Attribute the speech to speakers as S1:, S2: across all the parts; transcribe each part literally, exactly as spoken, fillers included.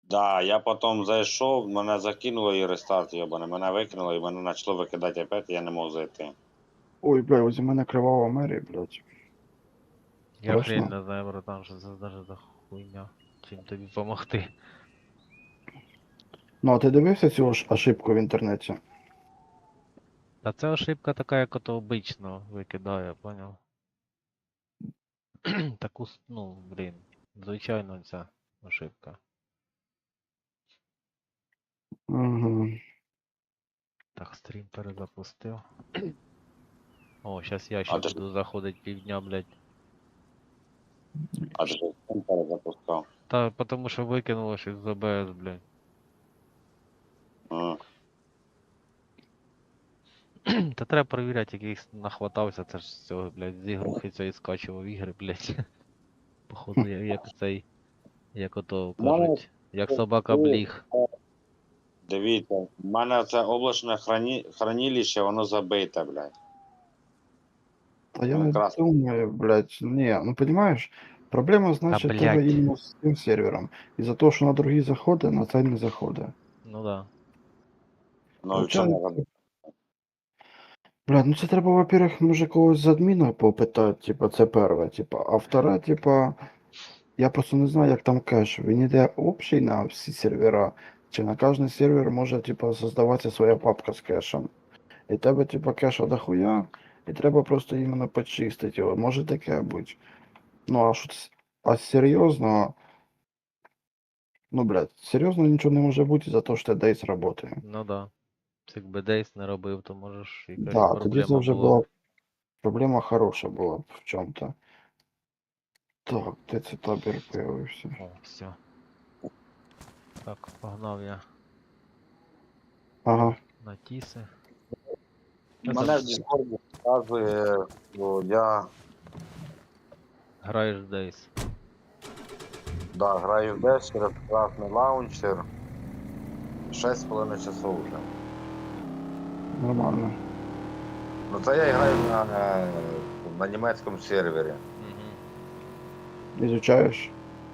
S1: Да, я потім зайшов, мене закинуло і рестарт йобане, мене викинуло і мене почало викидати опять, і я не мог зайти.
S2: Ой, бля, ось у мене кривава Мері, блядь.
S3: Я хрен
S2: Страшно.
S3: не знаю, братан, що це даже за хуйня. Чим тобі помогти.
S2: Ну, а ти дивився цю ж ошибку в інтернеті?
S3: Та це ошибка така, як ото обично викидає, поняв? Таку, с- ну, блін, звичайно ця ошибка.
S2: Угу.
S3: Так, стрім перезапустив. О, зараз я
S1: А
S3: ще
S1: ти ж,
S3: буду заходити півдня, блядь.
S1: а ти ж сам перезапускав.
S3: Та потому що викинуло щось з ОБС, блядь.
S1: А.
S3: Та треба перевіряти, яких нахватався, це ж з цього, блядь, з ігрухи цієї скачував ігри, блядь. Походу, я- як цей, як ото
S1: У мене
S3: кажуть, як собака бліг.
S1: Дивіться, в мене це облачне храні... хранилище, воно забите, блядь.
S2: А я
S1: Ну,
S2: не
S1: якраз.
S2: думаю, блядь, не, ну понимаешь, проблема,
S3: Та
S2: значит, тебе
S3: блядь.
S2: іменно з цим сервером. Із-за того, що на другий заходи, на цей не заходить.
S3: Ну да.
S1: Ну і в чому
S2: Получається, блядь, ну це треба, во-первых, може когось з адміна попитати, типа, це перше, типа, а вторе, типа, я просто не знаю, як там кеш. Він іде общий на всі сервера, чи на кожний сервер може, типа, создаватися своя папка з кешем. І тебе, типа, кеша дохуя, і треба просто іменно почистити його. Може таке бути. Ну, а що це? А серйозно, ну, блядь, серйозно нічого не може бути за те, що Дейс працює.
S3: Ну да. Якби Дейс не робив, то може ж якась
S2: Да, тоді це
S3: проблема
S2: вже
S3: була б.
S2: була проблема хороша була б в чому-то. Так, де це табір появився?
S3: О, все. Так, погнав я
S2: Ага.
S3: на тіси. Що
S1: мене в
S3: там
S1: Discord показує, що я
S3: граєш в Дейс?
S1: да, граю в десь через красний лаунчер. шість з половиною часов вже.
S2: Нормально.
S1: Ну це я граю на, е, на німецькому сервері.
S3: Угу.
S2: Ізучаєш?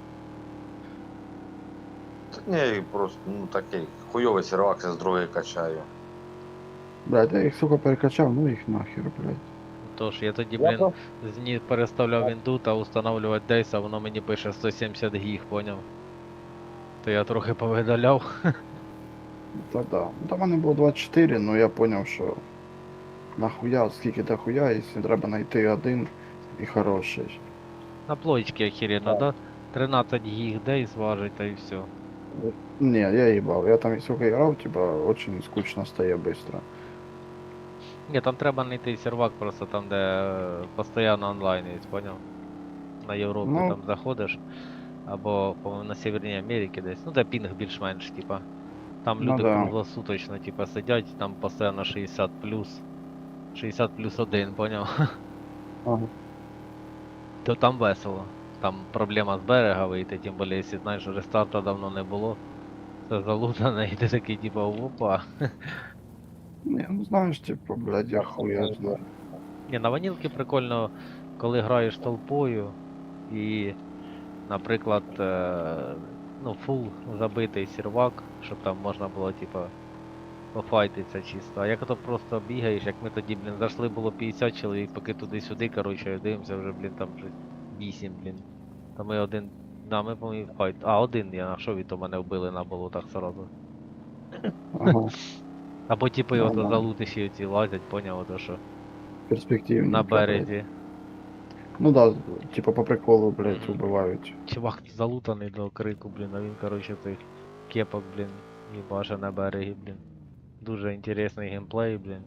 S1: Та ні, просто ну такий хуйовий сервак, я з другої качаю.
S2: Блядь, я їх, сука, перекачав, ну їх нахер, блядь.
S3: Тож, я тоді,
S1: Я
S3: блін,
S1: просто-
S3: з ні переставляв вінду та устанавливати Дейс, а воно мені пише сто сімдесят гіг, поняв? То я трохи повидаляв.
S2: Та да. Ну, там в мене було двадцять чотири, ну я зрозумів, що нахуя, скільки до хуя, якщо треба знайти один і хороший.
S3: На плоєчки охеренно, да? тринадцять гіг Дейс важить, та і все.
S2: Не, я їбав. Я там, сука, грав, типа, очень скучно стає быстро.
S3: Ні, там треба знайти сервак просто там, де е, постійно онлайн є, поняв? На Європі
S2: Ну,
S3: там заходиш, або, по-моєму, на Северній Америці десь. Ну, де пінг більш-менш, типа. Там
S2: ну
S3: люди
S2: да.
S3: круглосуточно, типа, сидять, там постійно шістдесят плюс. шістдесят плюс один, поняв?
S2: Ага.
S3: То там весело. Там проблема з берега вийти, тим більше, якщо знаєш, що рестарта давно не було. Це залутане, і ти такий, типа, опа.
S2: Не, ну знаєш, типа, блядь, я хуя знаю.
S3: Ні, на ванілки прикольно, коли граєш толпою і, наприклад, е, ну, фул забитий сервак, щоб там можна було, типа, пофайтитися чисто. А як то просто бігаєш, як ми тоді, блін, зайшли було п'ятдесят чоловік, поки туди-сюди, коротше, дивимося вже, блін, там вже вісім, блін. Та ми один, да, ми, по-моєму, файт. А, один я нашов, і то мене вбили на болотах сразу.
S2: Ага,
S3: Або типи ото
S2: нормально.
S3: залутиші оці лазять, поняв, ото що
S2: Перспективненько,
S3: на
S2: блядь.
S3: березі.
S2: Ну да, типа по приколу, блядь,
S3: Мгм.
S2: убивають.
S3: Чувак залутаний до крику, блін, а він, коротше, цих кепок, блін, їбаше на берегі, блін. Дуже інтересний геймплей, блін.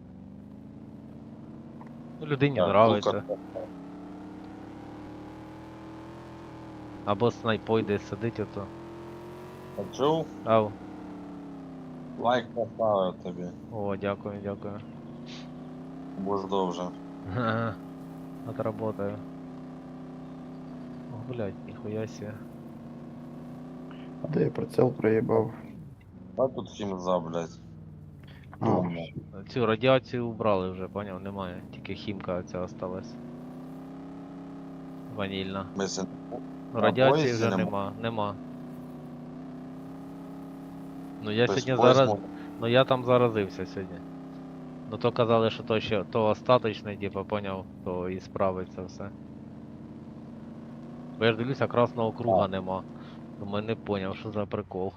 S3: Ну, людині
S1: Так,
S3: нравиться.
S1: тут
S3: Або снайпой десь сидить ото.
S1: почув,
S3: Ау.
S1: лайк поставив тобі,
S3: О, дякую, дякую.
S1: будеш довже.
S3: Ха-ха. Отработаю. О, блядь, ніхуя себе.
S2: А де я прицел проїбав?
S1: А тут хімза, блядь.
S2: А,
S1: Думно.
S3: Цю радіацію убрали вже, поняв, немає. Тільки хімка ця осталась. Ванільна.
S1: Мислі,
S3: Ну,
S1: На
S3: радіації
S1: поїзді
S3: вже
S1: нема?
S3: нема, нема. Ну я
S1: Тобто
S3: сьогодні зараз.
S1: восьму.
S3: Ну я там заразився сьогодні. Ну то казали, що то ще то остаточний, типа, поняв, то і справиться все. Бо я ж дивлюся, красного круга нема. Думаю, не поняв, що за прикол.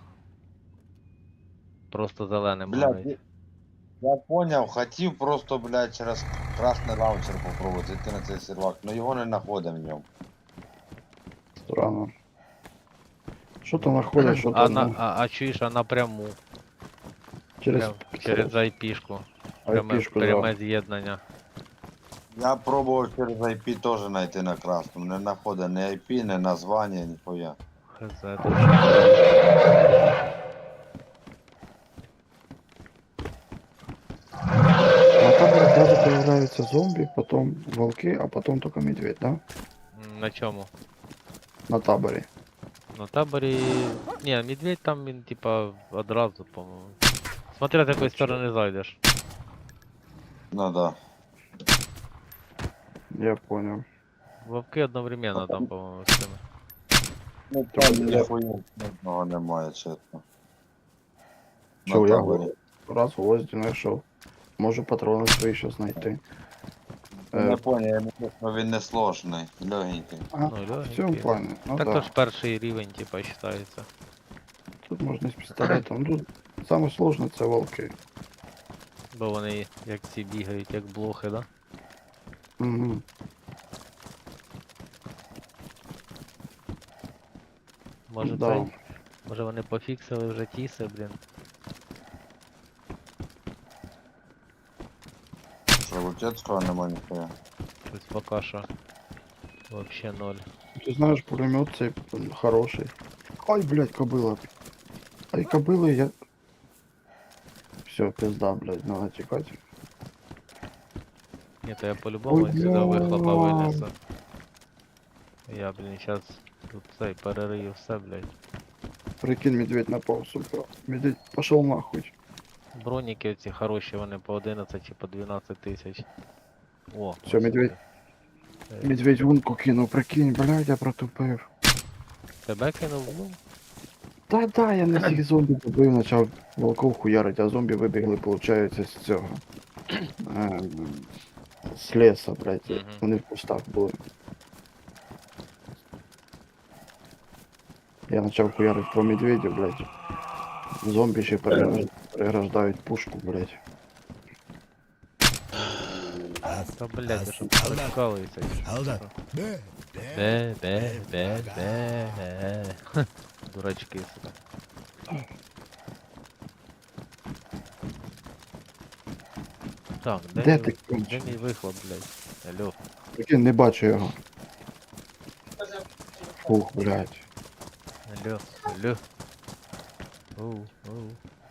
S3: Просто зеленим
S1: Блядь,
S3: горить.
S1: я поняв, хотів просто, блядь, через красний лаунчер попробувати зайти на цей сервак, але його не знаходив в ньому.
S2: Странно. Що то знаходять, що
S3: А
S2: то
S3: на
S2: ну,
S3: а, а чуєш, а напряму.
S2: через
S3: Прям через ай пі-шку. Пряме,
S2: айпішку,
S3: пряме
S2: да.
S3: з'єднання.
S1: Я пробував через ай пі теж знайти на красному, не знаходив ні ай пі, ні названня, ніхуя.
S3: Хз, тут ще.
S2: А там сразу появляются зомби, потом волки, а потом только медведь, да?
S3: М, На чому?
S2: На таборе.
S3: На таборі. Ні, медведь там він типа одразу, по-моєму. Смотря з якої сторони зайдеш.
S1: Ну да.
S2: Я понял.
S3: Вовки одновременно там, по-моєму, з цими.
S1: Ну
S2: Тобто
S1: там
S2: я-
S1: ніхуя одного немає, чесно.
S2: Що
S1: На
S2: я
S1: таборі.
S2: раз гвозді знайшов. Можу патрони свої ще знайти.
S1: Не
S2: Е,
S1: поняв, я він не сложний, легенький.
S2: а,
S3: Ну,
S2: в цьому
S3: легенький.
S2: плані. Ну
S3: Так
S2: да.
S3: то ж перший рівень, типа, вважається.
S2: Тут можна з пістолетом. Тут саме сложне це волки.
S3: Бо вони як ці бігають, як блохи, да?
S2: Угу.
S3: Може
S2: Да.
S3: цей? Може вони пофіксили вже тіси, блін.
S1: Що, Лутецького нема ніхуя.
S3: Щось поки що. Вообще ноль.
S2: Ти знаєш, пулемет цей м, хороший. Ай, блядь, кобила. Ай, кобили я. Все, пизда, блядь, надо тікати.
S3: Ні, то я по-любому
S2: Ой,
S3: сюди вихлопа
S2: бля.
S3: винесу. Я, блін, зараз тут цей перерию все, блядь.
S2: Прикинь, медведь напав, сука. Медведь пошел нахуй.
S3: Броніки оці хороші, вони по одинадцять чи по дванадцять тисяч. О,
S2: Всё,
S3: ось
S2: медведь.
S3: сюди. Е,
S2: Медведь гунку кинув, прикинь, блядь, я протупив.
S3: Тебе кинув? Ну,
S2: Та да, я не всіх зомбі добив, почав волков хуярить, а зомбі вибігли, виходить, з цього. Ем, З леса, блядь.
S3: Мгм.
S2: Вони в кустах були. Я почав хуярити по медведю, блядь. Зомбі ще переграж- переграждають пушку, блядь.
S3: та блядь, ви що прикалуєтеся?
S4: Hold up.
S3: Де, де, де, де. Ха, дурачки, сука. Так, де,
S2: Де
S3: мій-
S2: ти
S3: де
S2: кончиш?
S3: мій вихлоп, блядь? Алло.
S2: Прикинь, не бачу його. Фух, блядь.
S3: Алло, алло. Оу, оу.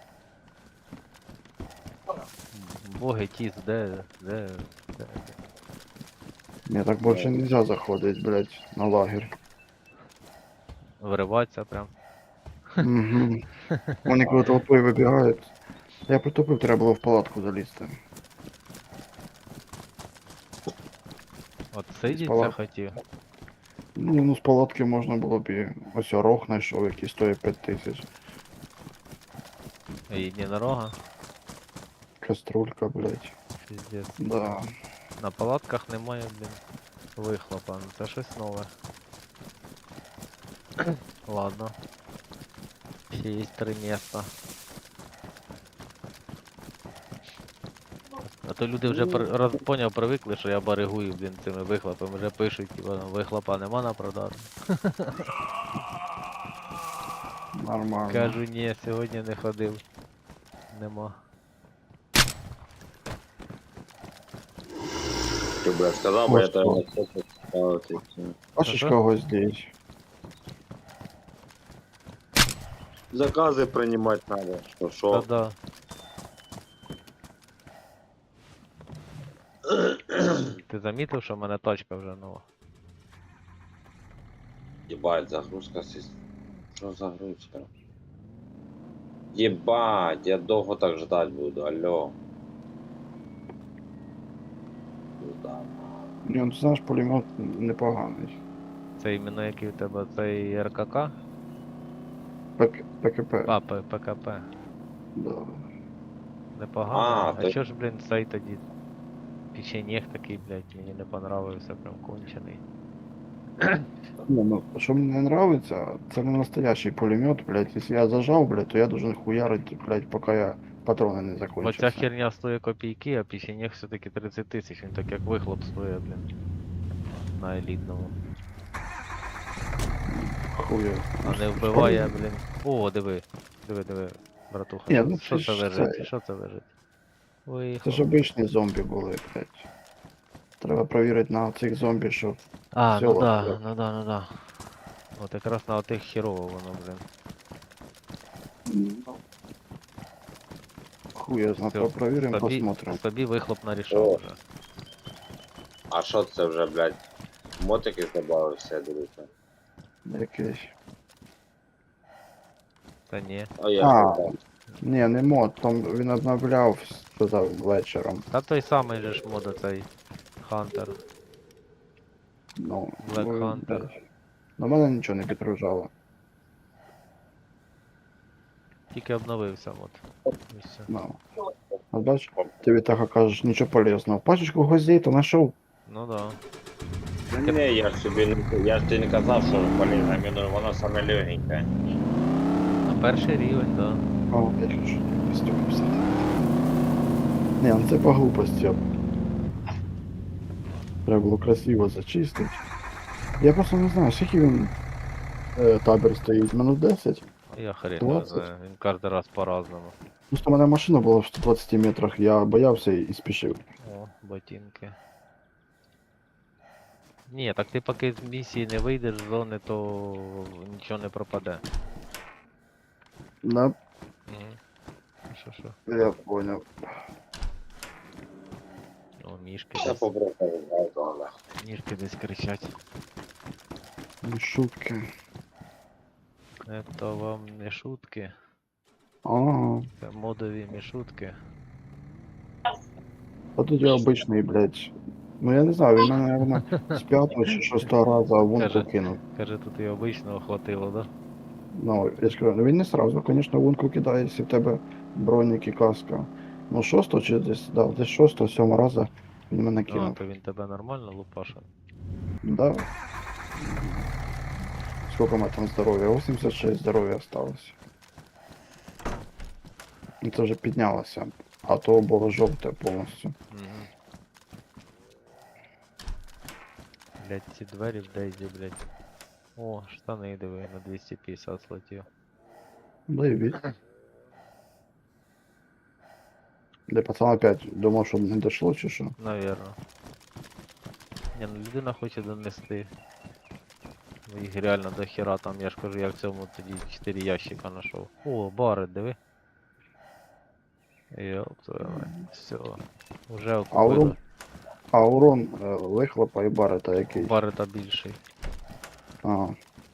S3: Боги тіс, де, де, де.
S2: Мне так больше нельзя заходить, блядь, на лагерь.
S3: Вириватися прям.
S2: Угу. Вони коли толпою вибігають. Я притупив, треба було в палатку залізти.
S3: От сидіться
S2: Спала.
S3: хотів.
S2: Ну, ну з палатки можна було б і ось орох знайшов, який стоїть п'ять тисяч.
S3: І єдинорога.
S2: Каструлька, блядь.
S3: Піздець.
S2: Да.
S3: На палатках немає, блін, вихлопа. Ну це щось нове. Ладно. Ще є три міста. А то люди вже при... роз... поняв, привикли, що я баригую, блін, цими вихлопами. Вже пишуть, типа, вихлопа нема на продажу.
S2: Нормально.
S3: Кажу, ні, сьогодні не ходив. Нема.
S1: Ти, блядь, сказав,
S2: бо я тебе
S1: ставити.
S2: Бачиш
S3: Ага.
S2: когось здесь?
S1: Закази приймати треба, що, що?
S3: Та-да. Ти замітив, що в мене тачка вже нова?
S1: Єбать, загрузка сіс. Що загрузка? Єбать, я довго так ждать буду, алло. Пизда.
S2: Ні, ну, ти знаєш, пулемет непоганий.
S3: Це іменно який у тебе цей РКК?
S2: Пк- ПКП.
S3: А, П- ПКП.
S2: Да.
S3: Непогано.
S1: А,
S3: А,
S1: то-
S3: чо ж, блін, цей тоді печенєг такий, блядь, мені не понравився, прям кончений.
S2: Не, ну, что мне не нравится, это не настоящий пулемет, блядь. Если я зажал, блядь, то я должен хуярить, блядь, пока я патроны не
S3: Оця
S2: закончатся.
S3: херня стоїть копійки, а печенєг все-таки тридцять тисяч, він так як вихлоп стоїть, блін. На елітному.
S2: Хуя.
S3: А не вбиває, блін. О, диви. Диви, диви, братуха.
S2: Ні,
S3: Що,
S2: ну
S3: що
S2: це
S3: це
S2: ж
S3: лежить?
S2: це-
S3: Що це лежить?
S2: Це
S3: Вихлоп.
S2: ж обичні зомбі були, блядь. Треба перевірити на цих зомбі, що
S3: А,
S2: всё,
S3: ну да,
S2: блядь.
S3: ну да, ну да. От якраз на отих херово воно, блін.
S2: Ну, хуй я знаю,
S3: Всё,
S2: провіримо,
S3: Собі,
S2: посмотрим.
S3: собі вихлоп нарішав
S1: О.
S3: вже.
S1: А що це вже, блядь? Мотики додався, я дивлюся.
S2: Якийсь.
S3: Та ні.
S1: А я
S2: А.
S1: ж не знаю.
S2: Ні, не мод, там він обновляв, сказав вечором.
S3: Та той самий же ж мода цей Хантер.
S2: Ну,
S3: Black
S2: ну,
S3: Hunter.
S2: блядь. На мене нічого не підгружало.
S3: Тільки обновився мод. І все.
S2: Ну. А бач, ти від того кажеш, нічого полезного. Пачечку гвоздей то знайшов.
S3: Ну да.
S1: Ні, я ж собі не я ж тобі не казав, що полізна, мені воно саме легеньке.
S3: На перший рівень, да.
S2: О, я хочу костюм писати. Ні, ну це по глупості. Треба було красиво зачистити. Я просто не знаю, скільки він е, табір стоїть, минут десять.
S3: Я хрен його
S2: двадцять.
S3: знаю. Він кожен раз по-разному.
S2: Просто у мене машина була в сто двадцять метрах, я боявся і спішив.
S3: О, ботинки. Ні, так ти поки з місії не вийдеш з зони, то нічого не пропаде.
S2: Да,
S3: Угу. Що, що?
S2: я понял.
S3: О, мішки
S1: Я
S3: десь.
S1: побросив, але.
S3: Мішки десь кричать.
S2: Ну, шутки.
S3: Это вам не шутки.
S2: Ага.
S3: Це модові мішутки.
S2: А тут я обичний, блядь. Ну я не знаю, він мене, наверное, з п'ятого чи шостого разу вунку
S3: Каже.
S2: кинув.
S3: Каже, тут і обичного хватило, да?
S2: Ну, я ж кажу, ну він не сразу, звісно, вунку кидає, якщо в тебе бронік і каска. Ну, шостого чи десь, да, десь шостого, сьомого разу він мене
S3: А,
S2: кинув.
S3: то він тебе нормально лупашив.
S2: Да. Сколько у меня там здоровья? восемьдесят шесть здоровья осталось. Ну, це вже піднялося. А то було жовте повністю.
S3: Угу. Блять, ці двері в Дейзі, блять. О, штани диви, на двісті п'ятдесят злетів.
S2: Да і від. Де пацан опять думав, що не дошло чи що?
S3: Навірно. Ні, ну людина хоче донести. Ну, їх реально до хера там, я ж кажу, я в цьому тоді чотири ящика знайшов. О, бари, диви. Йоп, твою мать. Все. Уже
S2: А
S3: окупили.
S2: урон, а урон е, вихлопа і барета який?
S3: Бари та більший.
S2: А.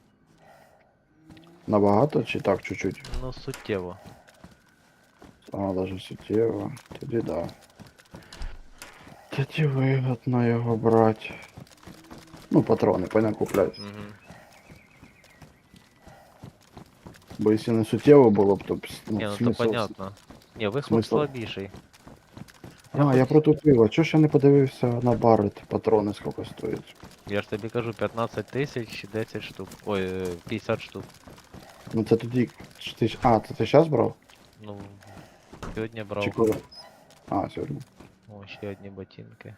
S2: Набагато чи так чуть-чуть?
S3: Ну, суттєво.
S2: А, даже суттєво. Тоді да. Тоді вигодно його брати. Ну, патрони, понятно, куплять.
S3: Угу.
S2: Бо якщо не суттєво було б, то б, ну,
S3: Ні, ну то
S2: смисл...
S3: понятно. Ні, вихлоп
S2: смисл-
S3: слабіший.
S2: А, я протупив, а чого ж я не подивився на барет, патрони скільки стоять?
S3: Я ж тобі кажу, п'ятнадцять тисяч, десять штук. Ой, е, п'ятдесят штук.
S2: Ну це тоді. ж ти ж- А, це ти зараз брав?
S3: Ну, сьогодні брав.
S2: Чи коли? А, сьогодні.
S3: О, ще одні ботинки.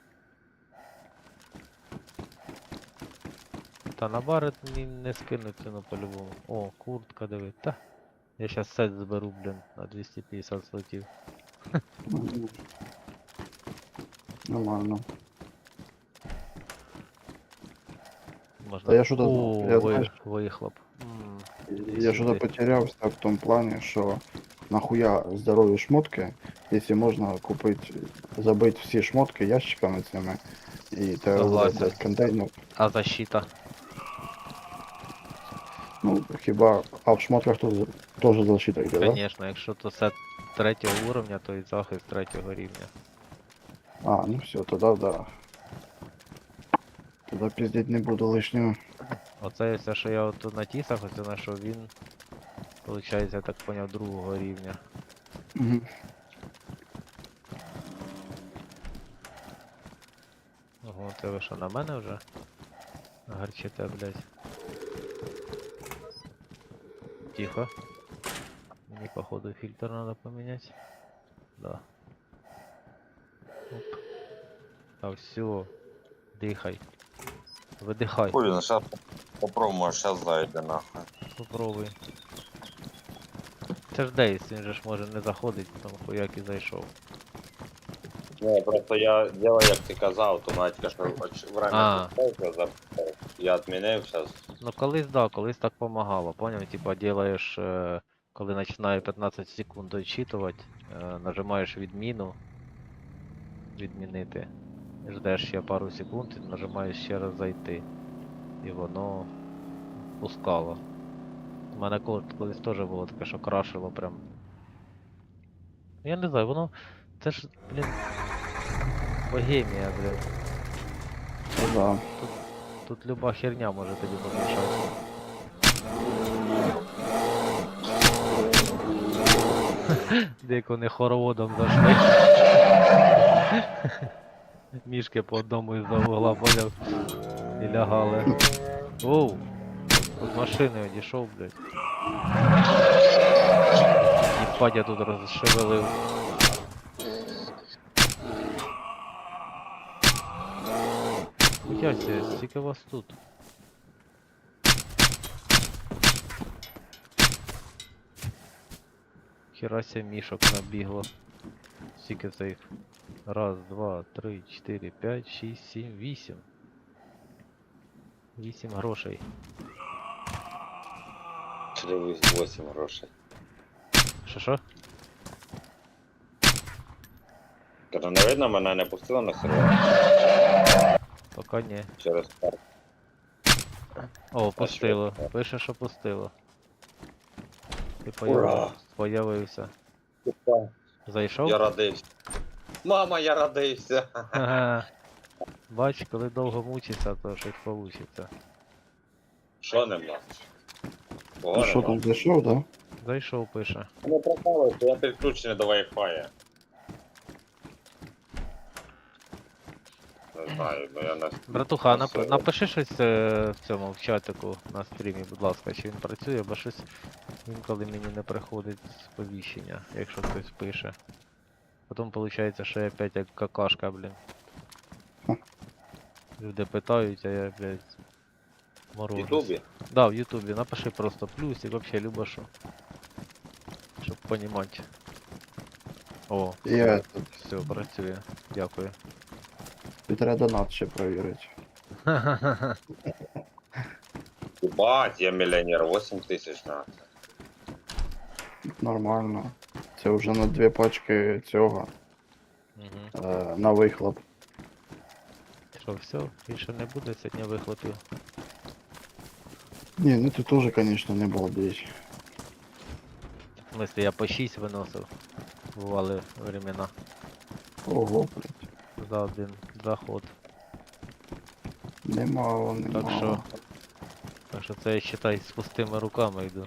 S3: Та на барет ні, не скинуть ціну по-любому. О, куртка, диви. Та. Я щас сет зберу, блін, на двісті п'ятдесят слотів.
S2: Мгм. Нормально.
S3: Можна.
S2: Та я що-то
S3: О,
S2: знав, я
S3: ви,
S2: знаєш-
S3: вихлоп. М,
S2: Я що-то
S3: сюди.
S2: потерявся в тому плані, що нахуя здорові шмотки, якщо можна купити, забити всі шмотки ящиками цими, і тебе
S3: Согласен.
S2: буде контейнер.
S3: А защита?
S2: Ну, хіба, а в шмотках теж теж защита йде, да?
S3: Конечно, якщо то сет третього уровня, то і захист третього рівня.
S2: А, ну все, тоді да. Тоді піздіть не буду лишнього.
S3: Оце все, що я от на тісах, оце знайшов, він, виходить, я так поняв, другого рівня.
S2: Мгм.
S3: Ого, це ви що, на мене вже? Гарчите, блядь. Тихо. Мені, походу, фильтр надо поменять. Да. Оп. А все. Дихай. Видихай.
S1: Хуй, ну сейчас попробуем, сейчас зайде нахуй.
S3: Попробуй. Це ж Дейс, він же ж може не заходить, там хуяк і зайшов.
S1: Не, просто я делаю, як ти казав, автоматика, що оч-
S3: А.
S1: время підставка запитав. Я відмінив зараз.
S3: Ну колись да, колись так помагало, поняв? Типа делаєш, е, коли починає п'ятнадцять секунд дочитувати, е, нажимаєш відміну, відмінити. Ждеш ще пару секунд і нажимаєш ще раз зайти. І воно пускало. У мене кол- колись теж було таке, що крашило прям. Я не знаю, воно. Це ж, блін. Богемія, блін.
S2: Ну да.
S3: Тут люба херня може тобі помішати. Як вони хороводом зайшли. Мішки по одному із-за угла, поняв? І лягали. Оу! З машини одійшов, блядь. Їбать, я тут розшевелив. Яся, скільки вас тут? Херася мішок набігло. Скільки це їх? Раз, два, три, чотири, п'ять, шість, сім, вісім. Вісім грошей.
S1: вісім грошей.
S3: Що що?
S1: Кажу, не видно, мене не пустило на сервер
S3: Пока ні.
S1: через парк.
S3: О, пустило.
S1: що?
S3: Пише, що пустило. Ти
S1: Ура!
S3: появ... появився. Зайшов?
S1: Я радився. Мама, я радився.
S3: Ага. Бач, коли довго мучишся, то щось получиться.
S1: Що нема? Кого
S2: Ну що
S1: нема?
S2: там зайшов, да?
S3: Зайшов, пише.
S1: Не пропало, що я підключений до Wi-Fi. Не знаю, ну я не...
S3: Братуха,
S1: на
S3: нап...
S1: сервер.
S3: напиши щось е, в цьому в чатику на стрімі, будь ласка, чи він працює, бо щось інколи мені не приходить сповіщення, якщо хтось пише. Потім виходить, що я опять як какашка, блін.
S2: Ха.
S3: Люди питають, а я, блядь,
S1: В
S3: морожусь.
S1: Ютубі?
S3: Да, в Ютубі, напиши просто плюс і вообще любо що. Щоб понімати. О,
S2: Я
S3: все, працює. Дякую.
S2: треба донат ще перевірити.
S1: Бать, я мільйонер, вісім тисяч на.
S2: Нормально. Це вже на дві пачки цього.
S3: Угу.
S2: Е, на вихлоп.
S3: Що, все, більше не буде сьогодні вихлопів.
S2: Ні, ну ти теж, звісно, не балдеєш.
S3: В смысле, я по шість виносив. Бували времена.
S2: Ого, блядь.
S3: За один заход.
S2: Немало, немало.
S3: Так що. Так що це я считай з пустими руками йду.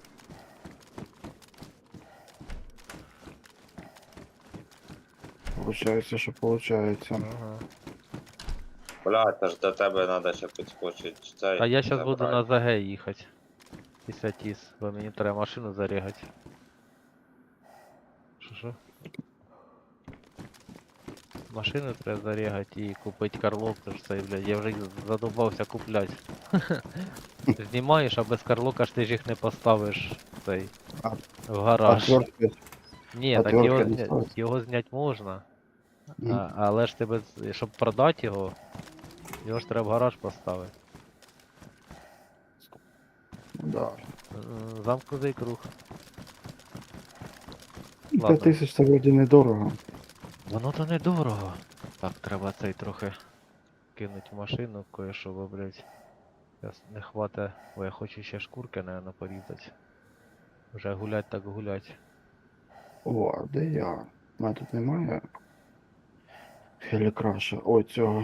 S2: Получається, що получається.
S3: Ага.
S1: Бля, це ж до тебе треба ще підскочити цей.
S3: А я зараз буду на
S1: забрати.
S3: ЗГ їхати. Після тіс, бо мені треба машину зарягати. Що що? Машину треба зарягати і купити карлок, тож це, блядь, я вже задовбався купляти. Знімаєш, а без карлока ж ти ж їх не поставиш цей
S2: А-
S3: в гараж.
S2: Отвертки.
S3: Ні,
S2: а
S3: так його,
S2: твердка не
S3: зня...
S2: ставить?
S3: його зняти можна.
S2: Мгм.
S3: А, але ж тебе, з- щоб продати його, його ж треба в гараж поставити.
S2: Ну да.
S3: М, Замкнутий круг. Ладно.
S2: п'ять тисяч це вроді недорого.
S3: Воно то недорого. Так, треба цей трохи кинуть в машину, кое-що, бо, блядь. Зараз не хвата, бо я хочу ще шкурки, наверное, порізати. Вже гулять так гулять.
S2: О, а де я? У мене тут немає. Хелікраша. Ой, цього.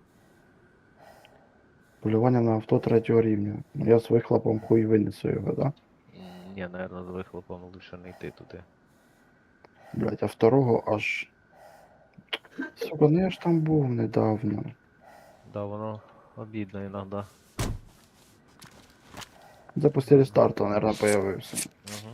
S2: Полювання на авто третього рівня. Ну я з вихлопом хуй винесу його, да?
S3: М, Ні, наверное, з вихлопом лучше не йти туди.
S2: Блять, а второго аж. Сука, ну я ж там був недавно.
S3: Да, воно обідно іноді.
S2: Це після рестарту, наверное, появився.
S3: Угу.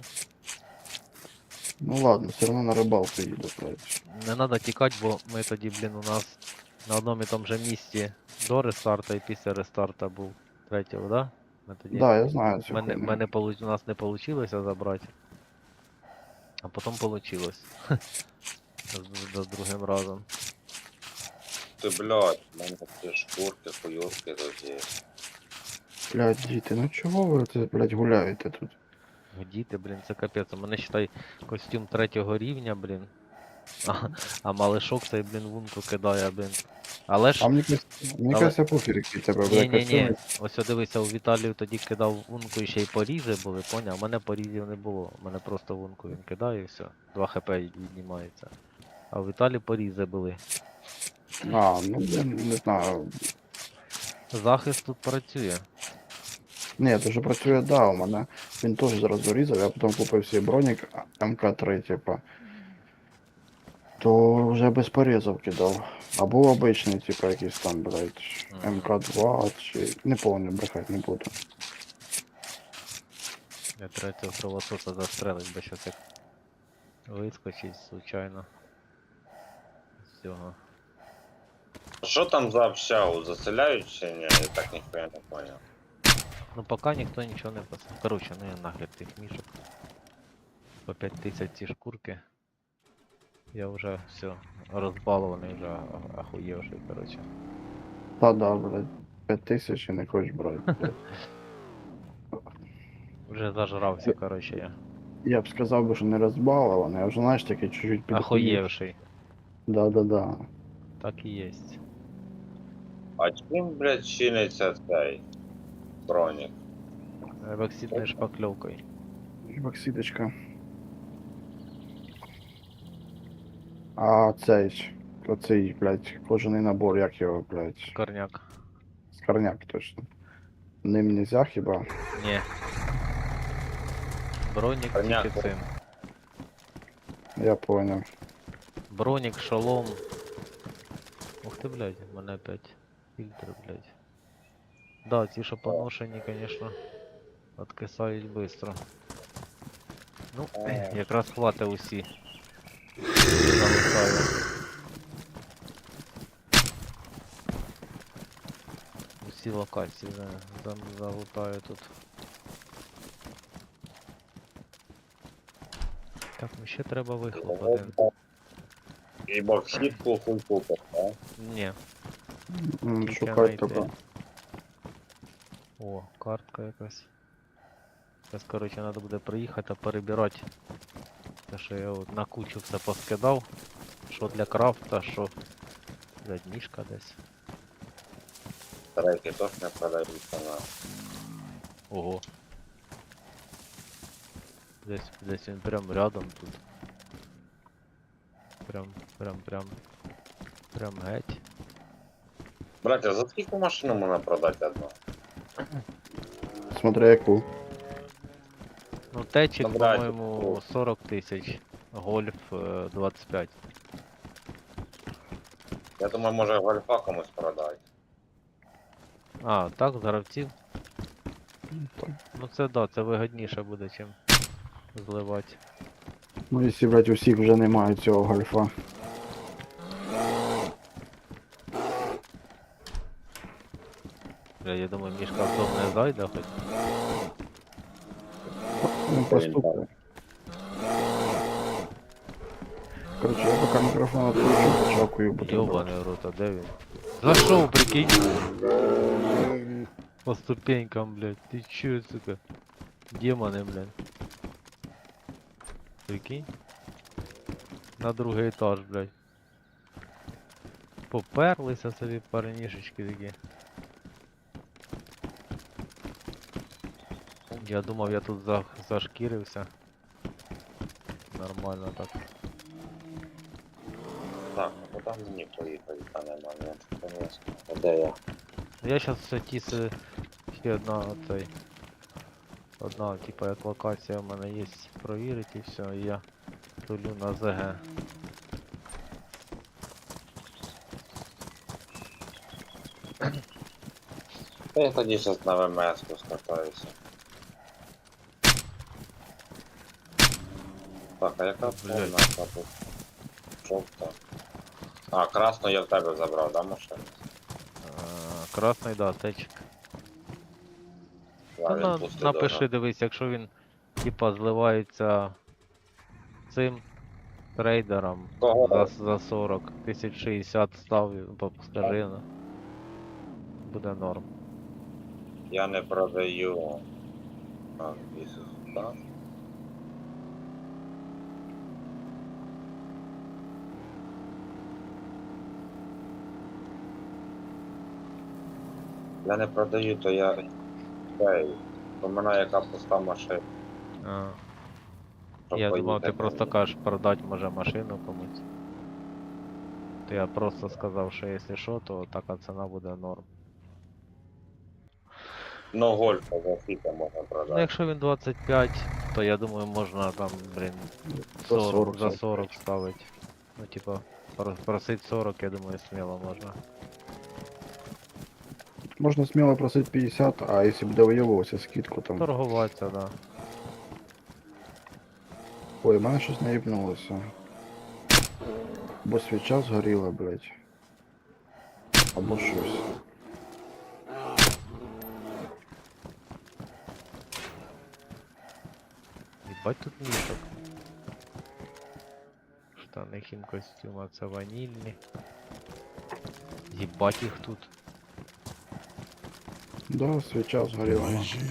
S2: Ну ладно, все одно на рибалку їду, блять.
S3: Не треба тікати, бо ми тоді, блін, у нас на одному і тому же місці до рестарта і після рестарта був третього, да? Ми тоді.
S2: Да, я знаю цю
S3: Мене,
S2: хуйню.
S3: мене получ... у нас не вийшло забрати. А потім вийшло. З, з другим разом.
S1: Ти, блядь, в мене ці шкурки, хуйовки тут є.
S2: Блять, діти, ну чого ви це, блять, гуляєте тут?
S3: Діти, блін, це капець. У мене считай костюм третього рівня, блін. А, а малишок цей, блін, вунку кидає, блін. Але ж.
S2: А мені кажется, мені
S3: Але-
S2: кажется, пофіг, який тебе
S3: Ні,
S2: буде
S3: ні, ні.
S2: костюм.
S3: Ось о, дивися, у Віталію тоді кидав вунку і ще й порізи були, поняв? У мене порізів не було. У мене просто вунку він кидає і все. два хп віднімається. А у Віталі порізи були.
S2: А, ну я не знаю.
S3: Захист тут працює.
S2: Ні, то що працює, да, у мене він теж зараз дорізав, я потім купив свій бронік ем ка три, типа. То вже без порізів кидав. Або обичний, типа якийсь там, блядь,
S3: Мгм.
S2: ем ка два чи. Не помню, брехать не буду.
S3: Я треба цього кровососа застрелить, бо щось як вискочить случайно. З цього.
S1: Що там за общагу? Заселяють чи ні? Я так ніхуя не понял.
S3: Ну поки ніхто нічого не писав. Короче, ну я нагляд тих мішок. По п'ять тисяч ці шкурки. Я вже все розбалований, вже а- ахуєвший, короче.
S2: Та да, блядь, п'ять тисяч і не хочеш брати, блядь.
S3: Вже зажрався, короче, я.
S2: Я б сказав би, що не розбалований, а вже знаєш такий чуть-чуть підхуїв.
S3: Ахуєвший.
S2: Да-да-да.
S3: Так і єсть.
S1: А чим, блядь, чиниться цей бронік?
S3: Евоксидною шпакльовкою.
S2: Боксидочка. А цей, оцей, блядь, кожаний набор, як його, блядь,
S3: Корняк.
S2: скорняк точно. Ним нельзя хіба?
S3: Ні. Бронік
S1: Корняк,
S3: тільки цим.
S2: Я понял.
S3: Бронік, шолом. Ух ти, блядь, в мене опять фільтри, блядь. Да, ті, що поношені, конечно, откисають быстро. Ну,
S1: Е.
S3: якраз хватить усі. Залутаю. Усі локації за, за, залутаю тут. Так, ну ще треба вихлоп один.
S1: І боксітку хуй купиш, а?
S3: Ні.
S2: М,
S3: Тільки
S2: Шукай
S3: знайти.
S2: тебе.
S3: О, картка якась. Зараз, коротше, треба буде приїхати та перебирати. Те, що я от на кучу все поскидав. Що для крафта, що. Блядь, мішка десь.
S1: Треки теж не продаються на.
S3: Ого. Десь, десь він прям рядом тут. Прям, прям, прям. Прям геть.
S1: Братя, за скільки машину можна продати одну?
S2: Смотри яку.
S3: Ну, течик,
S1: Добра,
S3: по-моєму,
S1: типу.
S3: сорок тисяч. Гольф е, двадцять п'ять.
S1: Я думаю, може гольфа комусь продати.
S3: А, так, з гравців.
S2: Ну, так.
S3: Ну це да, це вигідніше буде, чим зливати.
S2: Ну, якщо, блядь, у всіх вже немає цього гольфа.
S3: Бля, я думаю, мішка в дом не зайде хоч.
S2: Ну, поступно. Короче, я поки мікрофон відключу, почакую буду.
S3: Йобаний в рот, а де він? Зашов, прикинь! По ступенькам, блядь. Ты чё, сука? Демоны, блядь. Прикинь? На другий етаж, блядь. Поперлися собі парнішечки такі. Я думав, я тут за... зашкірився. Нормально так.
S1: Так, ну куди мені поїхати, та нема, ні, конечно. А де я?
S3: Ну, я щас все тіси... Ще одна оцей... Одна, типа, як локація в мене є, провірити і все, і я Тулю на ЗГ.
S1: Та я тоді зараз на ВМС-ку скатаюся. Так, а яка
S3: Блядь.
S1: повна тут? Жовта. А, красну я в тебе забрав, да, машину?
S3: А, красний, да, течик.
S1: Да,
S3: Та
S1: він
S3: на,
S1: пустий
S3: напиши,
S1: дуже.
S3: дивись, якщо він типа зливається цим трейдером
S1: Кого?
S3: за, за сорок тисяч шістдесят став, по- скажи, ну, буде норм.
S1: Я не продаю. А, Ісус, так? Я не продаю, то я... Ей, у мене яка пуста машина,
S3: А,
S1: щоб
S3: я думав,
S1: поїхати.
S3: ти просто кажеш продати може машину комусь. То я просто сказав, що якщо що, то така ціна буде норм.
S1: Ну, гольфа за скільки можна
S3: Ну
S1: продати.
S3: якщо він двадцять п'ять, то я думаю можна там, блін,
S2: За
S3: сорок, за
S2: сорок,
S3: сорок ставить. Ну типа, про- просить сорок, я думаю, сміло можна.
S2: Можно смело просить пятьдесят, а если бы довоевывался скидку там.
S3: Торгуватися, да.
S2: Ой, в мене щось наїбнулося. Бо свіча згоріла, блядь. Або щось.
S3: Ебать тут мішок. Штани хімкостюма, це ванільні. Єбать їх тут.
S2: Да, свіча згоріла.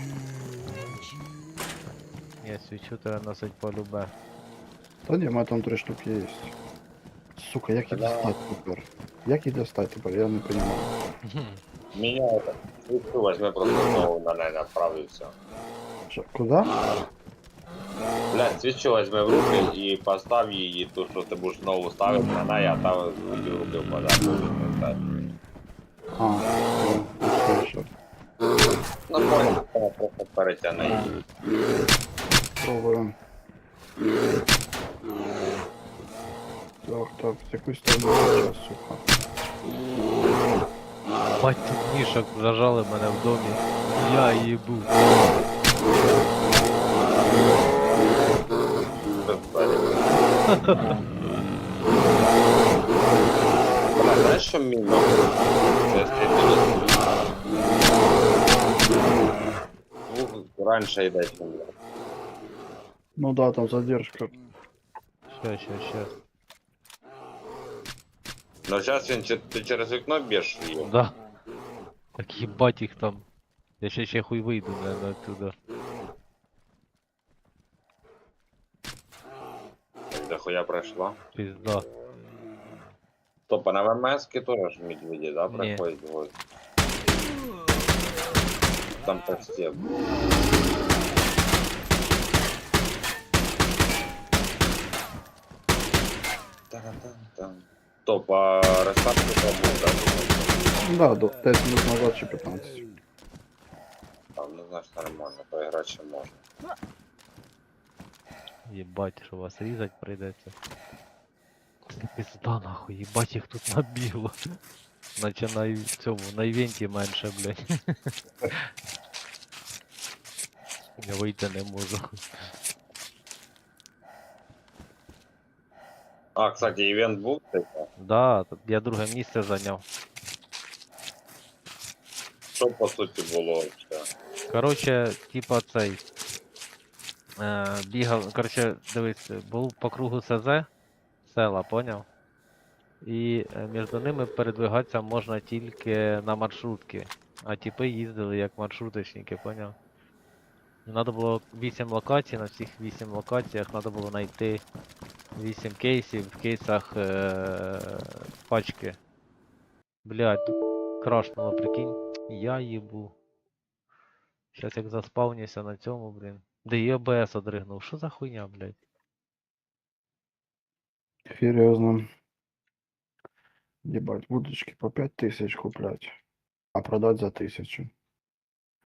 S3: Ні, свічу треба носить полюбе.
S2: Та ні, в мене там три штуки є. Сука, як їх
S1: Да.
S2: достать тепер? Як їх достать тепер, я не понимаю.
S1: Меня это... Свічу возьми просто знову на неї направився.
S2: Що, куди?
S1: Блядь, свічу возьми в руки і постав її, ту, що ти будеш знову ставити на неї, а там руки в руки впадає.
S2: А, все, що.
S1: Ну, понял, вона просто перетягне її.
S2: Пробуємо. Так, так, в яку сторону сейчас, сука.
S3: Бать тут мішок, зажали мене в домі. Я їбу.
S1: Бля, знаєш, що мінно? Це звук раніше йде, чим я.
S2: Ну да, там задержка.
S3: Ща, ща, ща.
S1: Но зараз він чи- ти через вікно б'єш її.
S3: Да. Так їбать їх там. Я ще ще хуй вийду, наверное, оттуда.
S1: Де хуя пройшла.
S3: Пизда.
S1: Стоп, а на ВМС-ки теж ж медведі, да,
S3: Ні.
S1: приходять в гості? Там почти. Та-да-там-там. Стоп, а розставки там да?
S2: Да, до десять минут назад чи пятнадцать.
S1: Там, ну знаєш, нормально, поіграти ще можна.
S3: Єбать, що вас різать прийдеться. Пизда нахуй, єбать їх тут набігло. Наче на й- цьому, на івенті менше, блядь. Я вийти не можу.
S1: А, кстати, івент був типу?
S3: Да, тут я друге місце зайняв.
S1: Що по суті було взагалі?
S3: Короче, типа цей. Е, бігав, короче, дивись, був по кругу СЗ, села, поняв? І е, між ними передвигатися можна тільки на маршрутки. А типи їздили як маршруточники, поняв? Надо було вісім локацій, на всіх вісім локаціях треба було знайти вісім кейсів, в кейсах е- пачки. Блядь, крашнуло, прикинь. Я їбу. Щас як заспавнюся на цьому, блін. Де і ОБС одригнув. Що за хуйня, блядь?
S2: Серьезно. Ебать, будочки по пять тысяч куплять, а продать за тысячу.